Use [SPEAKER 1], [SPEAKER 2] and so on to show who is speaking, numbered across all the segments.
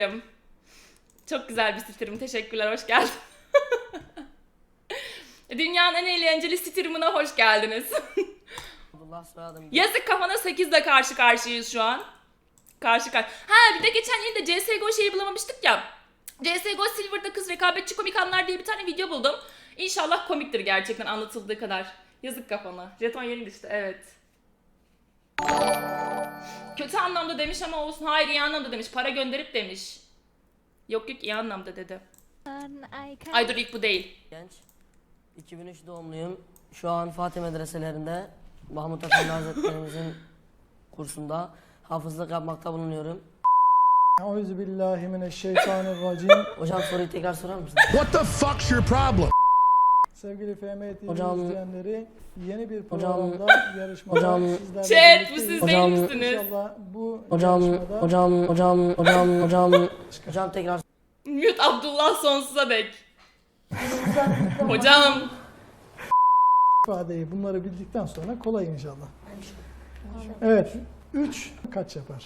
[SPEAKER 1] Çok güzel bir sitirim. Teşekkürler. Hoş geldin. Dünyanın en eğlenceli sitirimine hoş geldiniz. Yazık kafana 8'le karşı karşıyayız şu an. Ha bir de geçen yine de CSGO şeyi bulamamıştık ya. CSGO Silver'da kız rekabetçi komik anlar diye bir tane video buldum. İnşallah komiktir gerçekten anlatıldığı kadar. Yazık kafana. Jeton yeni düştü evet. Kötü anlamda demiş ama olsun. Hayır iyi anlamda demiş. Para gönderip demiş. Yok iyi anlamda dedi. Ay dur ilk bu değil.
[SPEAKER 2] Genç. 2003 doğumluyum. Şu an Fatih medreselerinde Mahmut Efendi Hazretlerimizin kursunda hafızlık yapmakta bulunuyorum.
[SPEAKER 3] Euzubillahimineşşeytanirracim.
[SPEAKER 2] Hocam soruyu tekrar sorar mısınız?
[SPEAKER 4] What the fuck's your problem?
[SPEAKER 3] Sevgili FM TV
[SPEAKER 2] Hocam-
[SPEAKER 3] izleyenleri, yeni bir
[SPEAKER 2] Hocam-
[SPEAKER 3] programda yarışmada
[SPEAKER 2] hocam-
[SPEAKER 3] sizlerle
[SPEAKER 1] Chat bu
[SPEAKER 3] birlikteyiz.
[SPEAKER 1] siz
[SPEAKER 2] Hocam-
[SPEAKER 1] değil misiniz?
[SPEAKER 3] İnşallah bu
[SPEAKER 2] Hocam,
[SPEAKER 3] yarışmada
[SPEAKER 2] hocam tekrar
[SPEAKER 1] Mute Abdullah sonsuza dek. Hocam.
[SPEAKER 3] ifadeyi bunları bildikten sonra kolay inşallah. Evet. 3 kaç yapar?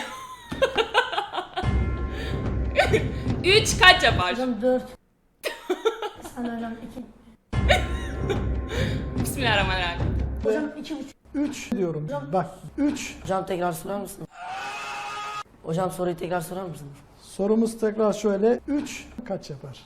[SPEAKER 1] 3 kaç yapar?
[SPEAKER 5] Hocam 4. Sana hocam 2.
[SPEAKER 1] Bismillahirrahmanirrahim.
[SPEAKER 5] Hocam 2,5.
[SPEAKER 3] 3 diyorum. Bak 3.
[SPEAKER 2] hocam tekrar sorar mısınız? Hocam soruyu tekrar sorar mısınız?
[SPEAKER 3] Sorumuz tekrar şöyle. 3 kaç yapar?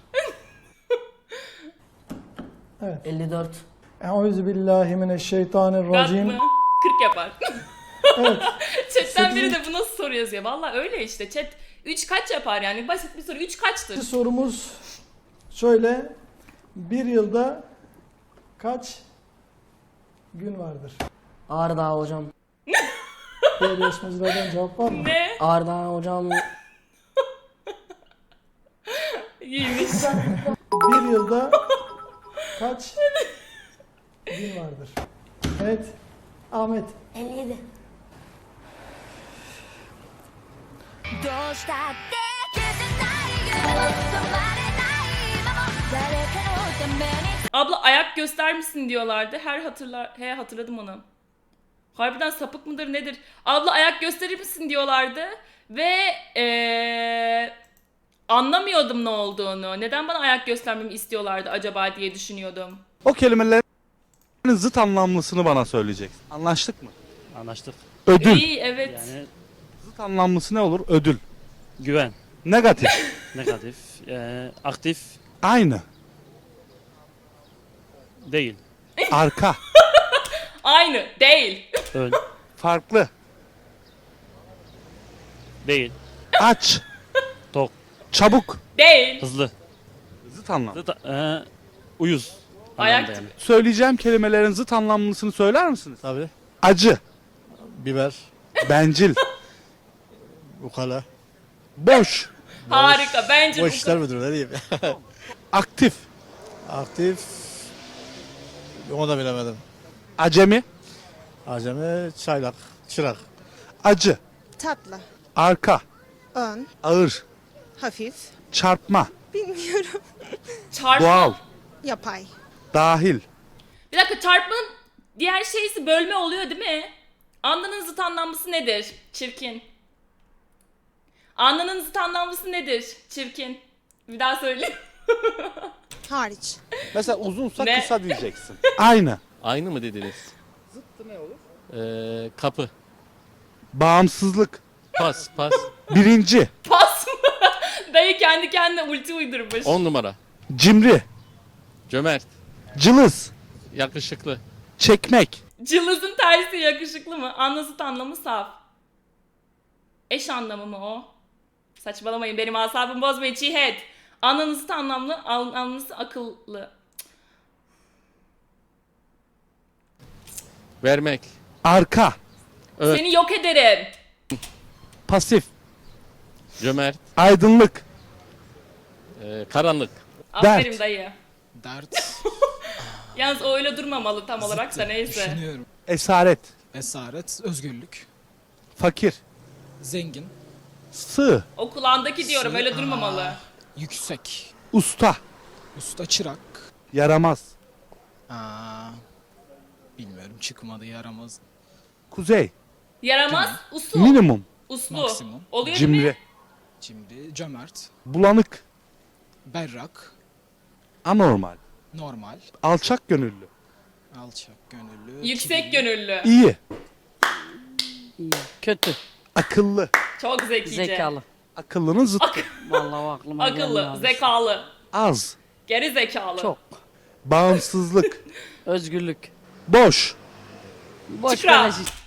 [SPEAKER 3] Evet.
[SPEAKER 2] 54.
[SPEAKER 1] Gat
[SPEAKER 3] Euzubillahimineşşeytanirracim.
[SPEAKER 1] mı? 40 yapar.
[SPEAKER 3] Evet.
[SPEAKER 1] Chat'ten biri de bu nasıl soru yazıyor? Valla öyle işte. Chat 3 kaç yapar yani? Basit bir soru. 3 kaçtır?
[SPEAKER 3] Sorumuz şöyle. Bir yılda kaç gün vardır?
[SPEAKER 2] Ağrıdağ hocam.
[SPEAKER 3] Diğer yarışmacılardan cevap var mı?
[SPEAKER 1] Ne?
[SPEAKER 2] Ağrıdağ hocam.
[SPEAKER 1] İyiymiş.
[SPEAKER 3] Bir yılda kaç gün vardır? Evet. Ahmet.
[SPEAKER 5] 57.
[SPEAKER 1] Abla ayak göster misin diyorlardı. Hatırladım onu. Harbiden sapık mıdır nedir? Abla ayak gösterir misin diyorlardı. Ve anlamıyordum ne olduğunu. Neden bana ayak göstermemi istiyorlardı acaba diye düşünüyordum.
[SPEAKER 6] O kelimelerin zıt anlamlısını bana söyleyeceksin. Anlaştık mı?
[SPEAKER 7] Anlaştık.
[SPEAKER 6] Ödül.
[SPEAKER 1] İyi evet.
[SPEAKER 7] Yani
[SPEAKER 6] Zıt anlamlısı ne olur? Ödül.
[SPEAKER 7] güven,
[SPEAKER 6] Negatif.
[SPEAKER 7] negatif, aktif
[SPEAKER 6] Aynı.
[SPEAKER 7] değil,
[SPEAKER 6] Arka.
[SPEAKER 1] Aynı değil.
[SPEAKER 7] ön
[SPEAKER 6] Farklı.
[SPEAKER 7] değil,
[SPEAKER 6] Aç.
[SPEAKER 7] tok,
[SPEAKER 6] Çabuk.
[SPEAKER 1] Değil.
[SPEAKER 7] hızlı,
[SPEAKER 6] Zıt anlam.
[SPEAKER 7] uyuz.
[SPEAKER 1] Ayak
[SPEAKER 7] anlamda yani.
[SPEAKER 6] Söyleyeceğim kelimelerin zıt anlamlısını söyler misiniz?
[SPEAKER 8] Tabii.
[SPEAKER 6] Acı.
[SPEAKER 8] Biber,
[SPEAKER 6] Bencil.
[SPEAKER 8] ukala.
[SPEAKER 6] Boş.
[SPEAKER 1] Harika. Bence
[SPEAKER 8] Boş
[SPEAKER 1] bu
[SPEAKER 8] işler müdürü ne diyeyim.
[SPEAKER 6] Aktif.
[SPEAKER 8] Aktif. Onu da bilemedim.
[SPEAKER 6] Acemi.
[SPEAKER 8] Acemi, çaylak, çırak.
[SPEAKER 6] Acı.
[SPEAKER 9] Tatlı,
[SPEAKER 6] Arka.
[SPEAKER 9] ön,
[SPEAKER 6] Ağır.
[SPEAKER 9] hafif,
[SPEAKER 6] Çarpma.
[SPEAKER 9] bilmiyorum,
[SPEAKER 1] çarpma.
[SPEAKER 6] Doğal.
[SPEAKER 9] yapay.
[SPEAKER 6] Dahil.
[SPEAKER 1] Bir dakika çarpmanın diğer şeysi bölme oluyor değil mi? Anlanın zıt anlamlısı nedir? Çirkin. Anlanın zıt anlamlısı nedir? Çirkin. Bir daha söyle.
[SPEAKER 9] Hariç.
[SPEAKER 6] Mesela uzunsa
[SPEAKER 1] Ne?
[SPEAKER 6] kısa diyeceksin. Aynı.
[SPEAKER 10] Aynı mı dediniz? Zıttı ne olur? Kapı.
[SPEAKER 6] Bağımsızlık.
[SPEAKER 10] Pas.
[SPEAKER 6] Birinci.
[SPEAKER 1] Pas mı? Dayı kendi kendine ulti uydurmuş.
[SPEAKER 10] 10 numara.
[SPEAKER 6] Cimri.
[SPEAKER 10] Cömert.
[SPEAKER 6] Cılız.
[SPEAKER 10] Yakışıklı.
[SPEAKER 6] Çekmek.
[SPEAKER 1] Cılızın tersi yakışıklı mı? Anla zıt anlamı saf. Eş anlamı mı o? Saçmalamayın benim asabımı bozmayın çiğhet. Anlanın zıt anlamlısı akıllı.
[SPEAKER 10] Vermek.
[SPEAKER 6] Arka.
[SPEAKER 10] Evet.
[SPEAKER 1] Seni yok ederim.
[SPEAKER 6] Pasif.
[SPEAKER 10] Cömert.
[SPEAKER 6] Aydınlık.
[SPEAKER 10] Karanlık.
[SPEAKER 1] Aferin
[SPEAKER 6] Dert.
[SPEAKER 1] dayı.
[SPEAKER 11] Dert,
[SPEAKER 1] Yalnız o öyle durmamalı tam olarak da neyse.
[SPEAKER 11] düşünüyorum.
[SPEAKER 6] Esaret.
[SPEAKER 11] Esaret, özgürlük,
[SPEAKER 6] Fakir.
[SPEAKER 11] zengin,
[SPEAKER 6] Sığ.
[SPEAKER 1] O kulağındaki diyorum öyle durmamalı.
[SPEAKER 11] yüksek,
[SPEAKER 6] Usta.
[SPEAKER 11] usta, çırak.
[SPEAKER 6] Yaramaz.
[SPEAKER 11] Aa, bilmiyorum çıkmadı yaramaz.
[SPEAKER 6] Kuzey.
[SPEAKER 1] Yaramaz, usul.
[SPEAKER 6] Minimum.
[SPEAKER 1] Uslu.
[SPEAKER 11] Maksimum.
[SPEAKER 1] Oluyor değil mi?
[SPEAKER 6] Cimri.
[SPEAKER 11] Cimri, cömert,
[SPEAKER 6] Bulanık.
[SPEAKER 11] berrak,
[SPEAKER 6] Anormal.
[SPEAKER 11] normal,
[SPEAKER 6] Alçak gönüllü.
[SPEAKER 11] alçak gönüllü,
[SPEAKER 1] Yüksek
[SPEAKER 11] kibirli,
[SPEAKER 1] gönüllü.
[SPEAKER 6] İyi.
[SPEAKER 2] İyi. Kötü.
[SPEAKER 6] Akıllı.
[SPEAKER 1] Çok zekice.
[SPEAKER 2] Zekalı.
[SPEAKER 6] Akıllının zıttı.
[SPEAKER 2] Vallahi aklıma
[SPEAKER 1] Akıllı,
[SPEAKER 2] gelmiyor abi.
[SPEAKER 1] zekalı,
[SPEAKER 6] Az.
[SPEAKER 1] geri zekalı.
[SPEAKER 2] Çok.
[SPEAKER 6] Bağımsızlık.
[SPEAKER 2] Özgürlük.
[SPEAKER 6] Boş.
[SPEAKER 2] Boş
[SPEAKER 1] Çıkra.
[SPEAKER 2] beleş iş.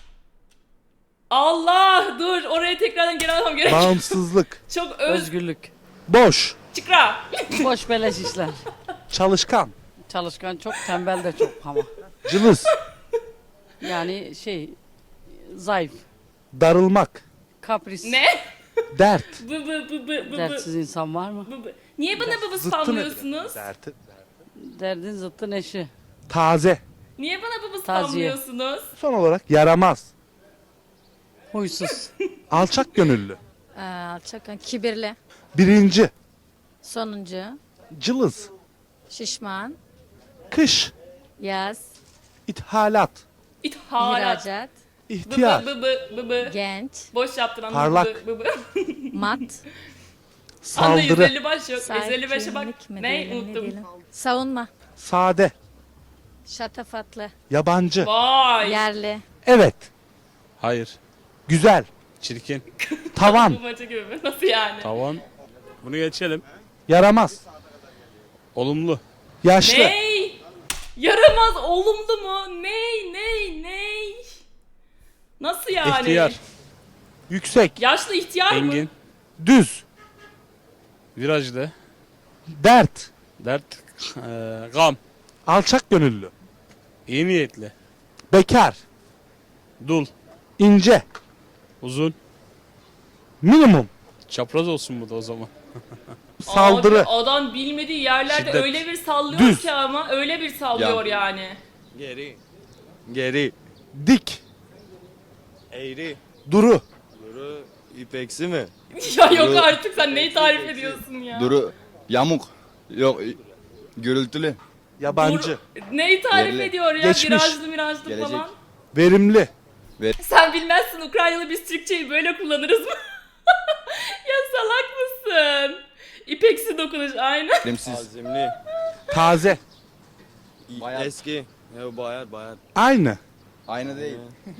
[SPEAKER 1] Allah dur oraya tekrardan geri almam gerek.
[SPEAKER 6] Bağımsızlık.
[SPEAKER 1] Çok
[SPEAKER 2] Özgürlük.
[SPEAKER 6] Boş.
[SPEAKER 1] Çıkra.
[SPEAKER 2] Boş beleş işler.
[SPEAKER 6] Çalışkan.
[SPEAKER 2] Çalışkan çok, tembel de çok ama.
[SPEAKER 6] Cılız.
[SPEAKER 2] Yani zayıf.
[SPEAKER 6] Darılmak.
[SPEAKER 2] Kapris.
[SPEAKER 1] Ne?
[SPEAKER 6] Dert.
[SPEAKER 1] Bı.
[SPEAKER 2] Dertsiz insan var mı?
[SPEAKER 1] Bı. Niye bana bıbı
[SPEAKER 6] Zıttı nedir?
[SPEAKER 1] spamlıyorsunuz?
[SPEAKER 6] Derti.
[SPEAKER 2] Derdin zıttı neşi.
[SPEAKER 6] Taze.
[SPEAKER 1] Niye bana bıbı
[SPEAKER 2] Taziye.
[SPEAKER 1] spamlıyorsunuz?
[SPEAKER 6] Son olarak yaramaz.
[SPEAKER 2] Huysuz.
[SPEAKER 6] Alçak gönüllü.
[SPEAKER 5] Alçak, kibirli.
[SPEAKER 6] Birinci.
[SPEAKER 5] Sonuncu.
[SPEAKER 6] Cılız.
[SPEAKER 5] Şişman.
[SPEAKER 6] Kış.
[SPEAKER 5] Yaz.
[SPEAKER 6] İthalat.
[SPEAKER 1] İthalat.
[SPEAKER 5] ihracat.
[SPEAKER 6] İhtiyar.
[SPEAKER 1] Bı.
[SPEAKER 5] Genç.
[SPEAKER 1] Boş yaptın anladın.
[SPEAKER 6] Parlak.
[SPEAKER 1] Bı.
[SPEAKER 5] Mat.
[SPEAKER 1] Anda
[SPEAKER 6] Saldırı.
[SPEAKER 1] 150 baş yok. 155'e bak.
[SPEAKER 5] Sakinlik mi
[SPEAKER 1] Ne
[SPEAKER 5] diyelim,
[SPEAKER 1] unuttum.
[SPEAKER 5] diyelim? Savunma.
[SPEAKER 6] Sade.
[SPEAKER 5] Şatafatlı.
[SPEAKER 6] Yabancı.
[SPEAKER 1] Vay.
[SPEAKER 5] Yerli.
[SPEAKER 6] Evet.
[SPEAKER 7] Hayır.
[SPEAKER 6] Güzel.
[SPEAKER 7] Çirkin.
[SPEAKER 6] Tavan.
[SPEAKER 1] Bu maçı gibi mi? Nasıl yani?
[SPEAKER 7] Tavan. Bunu geçelim.
[SPEAKER 6] Yaramaz.
[SPEAKER 7] Olumlu.
[SPEAKER 6] Yaşlı.
[SPEAKER 1] Ney? Yaramaz olumlu mu? Ney? Nasıl yani?
[SPEAKER 7] İhtiyar.
[SPEAKER 6] Yüksek.
[SPEAKER 1] Yaşlı ihtiyar mı?
[SPEAKER 7] Engin.
[SPEAKER 6] Düz.
[SPEAKER 7] Virajlı.
[SPEAKER 6] Dert.
[SPEAKER 7] Dert. Gam.
[SPEAKER 6] Alçak gönüllü.
[SPEAKER 7] İyi niyetli.
[SPEAKER 6] Bekar.
[SPEAKER 7] Dul.
[SPEAKER 6] İnce.
[SPEAKER 7] Uzun.
[SPEAKER 6] Minimum.
[SPEAKER 7] Çapraz olsun bu da o zaman.
[SPEAKER 6] Saldırı.
[SPEAKER 1] Abi, adam bilmediği yerlerde
[SPEAKER 7] Şiddet.
[SPEAKER 1] öyle bir sallıyor
[SPEAKER 6] Düz.
[SPEAKER 1] ki ama öyle bir sallıyor yani.
[SPEAKER 10] Geri.
[SPEAKER 6] Dik.
[SPEAKER 10] Eğri.
[SPEAKER 6] Duru.
[SPEAKER 10] Duru. İpeksi mi?
[SPEAKER 1] Ya yok
[SPEAKER 10] Duru.
[SPEAKER 1] artık sen neyi tarif ediyorsun ya?
[SPEAKER 10] Duru. Yamuk. Yok. Gürültülü.
[SPEAKER 6] Yabancı.
[SPEAKER 1] Dur, neyi tarif
[SPEAKER 10] Yerli.
[SPEAKER 1] ediyor ya?
[SPEAKER 6] Geçmiş.
[SPEAKER 1] Virajlı
[SPEAKER 10] Gelecek.
[SPEAKER 1] falan.
[SPEAKER 6] Verimli.
[SPEAKER 1] Sen bilmezsin Ukraynalı biz Türkçeyi böyle kullanırız mı? Ya salak mısın? İpeksi dokunuş aynen.
[SPEAKER 10] Limsiz. Azimli.
[SPEAKER 6] Taze.
[SPEAKER 10] Eski. Ya bayar.
[SPEAKER 6] Aynı.
[SPEAKER 10] Aynı değil.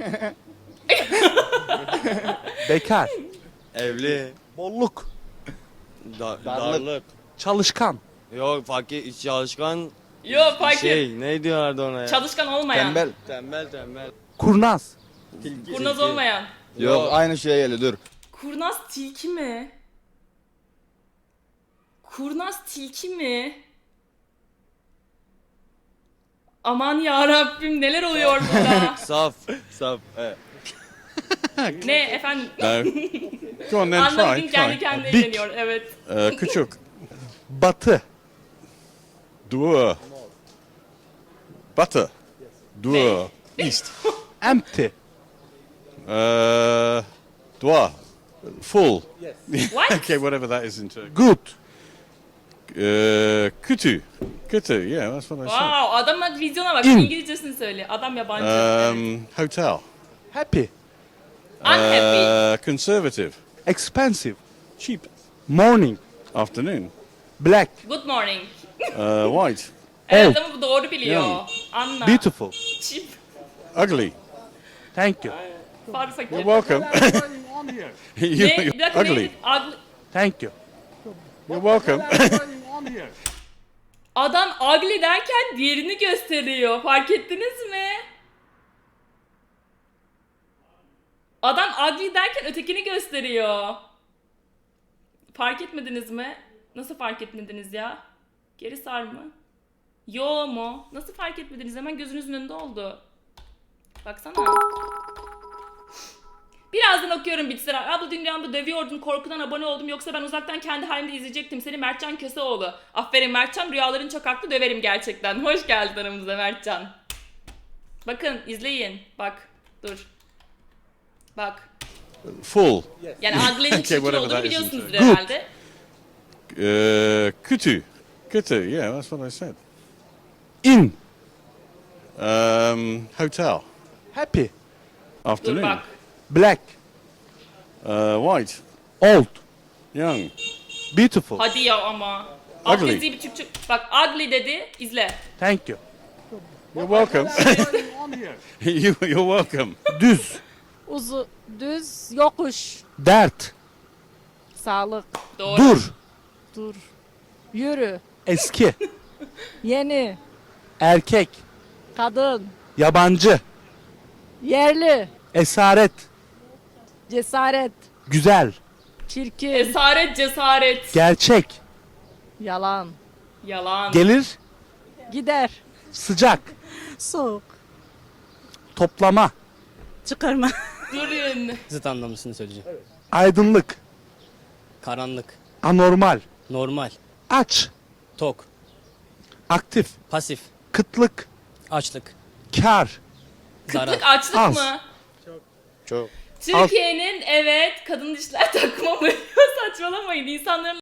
[SPEAKER 6] Bekar.
[SPEAKER 10] Evli.
[SPEAKER 6] Bolluk.
[SPEAKER 10] Darlık.
[SPEAKER 6] Çalışkan.
[SPEAKER 10] Yok fakir çalışkan
[SPEAKER 1] Yok fark et.
[SPEAKER 10] ne diyorlardı ona ya?
[SPEAKER 1] Çalışkan olmayan.
[SPEAKER 10] Tembel.
[SPEAKER 6] Kurnaz.
[SPEAKER 1] Kurnaz olmayan.
[SPEAKER 10] Yok aynı şeye geldi dur.
[SPEAKER 1] Kurnaz tilki mi? Kurnaz tilki mi? Aman ya Rabbim neler oluyor burada?
[SPEAKER 10] Saf. Evet.
[SPEAKER 1] Ne efendim?
[SPEAKER 7] Go on then
[SPEAKER 1] Anlamadım
[SPEAKER 7] try.
[SPEAKER 1] kendi kendine
[SPEAKER 6] Big.
[SPEAKER 1] eğleniyor evet.
[SPEAKER 7] Küçük.
[SPEAKER 6] Batı.
[SPEAKER 7] Dua. Butter. Dua. East.
[SPEAKER 6] Empty.
[SPEAKER 7] Dua. Full.
[SPEAKER 1] What?
[SPEAKER 7] Okay, whatever that is in Turkish.
[SPEAKER 6] Good.
[SPEAKER 7] Kötü. Kötü. Yeah, that's what I said.
[SPEAKER 1] Wow adamın vizyona bak
[SPEAKER 6] İn.
[SPEAKER 1] İngilizcesini söyle. Adam yabancı. Evet.
[SPEAKER 7] Hotel.
[SPEAKER 6] Happy.
[SPEAKER 1] Unhappy.
[SPEAKER 7] Conservative.
[SPEAKER 6] Expensive.
[SPEAKER 7] Cheap.
[SPEAKER 6] Morning.
[SPEAKER 7] Afternoon.
[SPEAKER 6] Black.
[SPEAKER 1] Good morning.
[SPEAKER 7] White.
[SPEAKER 1] Evet ama bu doğru biliyor.
[SPEAKER 7] Yani.
[SPEAKER 1] Anla.
[SPEAKER 6] Beautiful.
[SPEAKER 1] Cheap.
[SPEAKER 7] Ugly.
[SPEAKER 6] Thank you.
[SPEAKER 1] Farı fakir.
[SPEAKER 7] You're welcome.
[SPEAKER 1] Ne? Bir dakika
[SPEAKER 7] Ugly.
[SPEAKER 1] neydi? Ugly.
[SPEAKER 6] Thank you.
[SPEAKER 7] You're welcome.
[SPEAKER 1] Adam ugly derken diğerini gösteriyor. Fark ettiniz mi? Adam ugly derken ötekini gösteriyor. Fark etmediniz mi? Nasıl fark etmediniz ya? Geri sar mı? Yo mu? Nasıl fark etmediniz? Hemen gözünüzün önünde oldu. Baksana. Birazdan okuyorum bitsin. Abla dün rüyamda dövüyordun korkudan abone oldum yoksa ben uzaktan kendi halimde izleyecektim seni Mertcan Köseoğlu. Aferin Mertcan rüyaların çok haklı döverim gerçekten. Hoş geldin aramıza Mertcan. Bakın izleyin. Bak dur. Bak.
[SPEAKER 7] Full.
[SPEAKER 1] Yani ugly'nin
[SPEAKER 7] Okay,
[SPEAKER 1] çirkin
[SPEAKER 7] whatever
[SPEAKER 1] olduğunu
[SPEAKER 7] that is
[SPEAKER 1] biliyorsunuzdur
[SPEAKER 7] in
[SPEAKER 1] herhalde.
[SPEAKER 7] Kötü. Kötü. Yeah, that's what I said.
[SPEAKER 6] In.
[SPEAKER 7] Hotel.
[SPEAKER 6] Happy.
[SPEAKER 1] Dur
[SPEAKER 7] Afternoon.
[SPEAKER 1] bak.
[SPEAKER 6] Black.
[SPEAKER 7] White.
[SPEAKER 6] Old.
[SPEAKER 7] Young.
[SPEAKER 6] Beautiful.
[SPEAKER 1] Hadi ya ama.
[SPEAKER 7] Ugly.
[SPEAKER 1] Abdezi bir Türkçe. Bak ugly dedi. İzle.
[SPEAKER 6] Thank you.
[SPEAKER 7] You're welcome. You're welcome.
[SPEAKER 6] Düz.
[SPEAKER 5] Düz, yokuş.
[SPEAKER 6] Dert.
[SPEAKER 5] Sağlık.
[SPEAKER 1] Doğru.
[SPEAKER 6] Dur.
[SPEAKER 5] Dur. Yürü.
[SPEAKER 6] Eski.
[SPEAKER 5] Yeni.
[SPEAKER 6] Erkek.
[SPEAKER 5] Kadın.
[SPEAKER 6] Yabancı.
[SPEAKER 5] Yerli.
[SPEAKER 6] Esaret.
[SPEAKER 5] Cesaret.
[SPEAKER 6] Güzel.
[SPEAKER 5] Çirkin.
[SPEAKER 1] Esaret, cesaret.
[SPEAKER 6] Gerçek.
[SPEAKER 5] Yalan.
[SPEAKER 1] Yalan.
[SPEAKER 6] Gelir.
[SPEAKER 5] Gider.
[SPEAKER 6] Sıcak.
[SPEAKER 5] Soğuk.
[SPEAKER 6] Toplama.
[SPEAKER 5] Çıkarma.
[SPEAKER 1] Durun.
[SPEAKER 10] Zıt anlamlısını söyleyeceğim.
[SPEAKER 6] Aydınlık.
[SPEAKER 10] Karanlık,
[SPEAKER 6] Anormal.
[SPEAKER 10] normal,
[SPEAKER 6] Aç.
[SPEAKER 10] tok,
[SPEAKER 6] Aktif.
[SPEAKER 10] pasif,
[SPEAKER 6] Kıtlık.
[SPEAKER 10] açlık,
[SPEAKER 6] Kar.
[SPEAKER 10] zarar.
[SPEAKER 1] Kıtlık, açlık
[SPEAKER 6] Az.
[SPEAKER 1] mı?
[SPEAKER 7] Çok.
[SPEAKER 1] Türkiye'nin evet kadın dişler takma mı? Saçmalamayın. İnsanların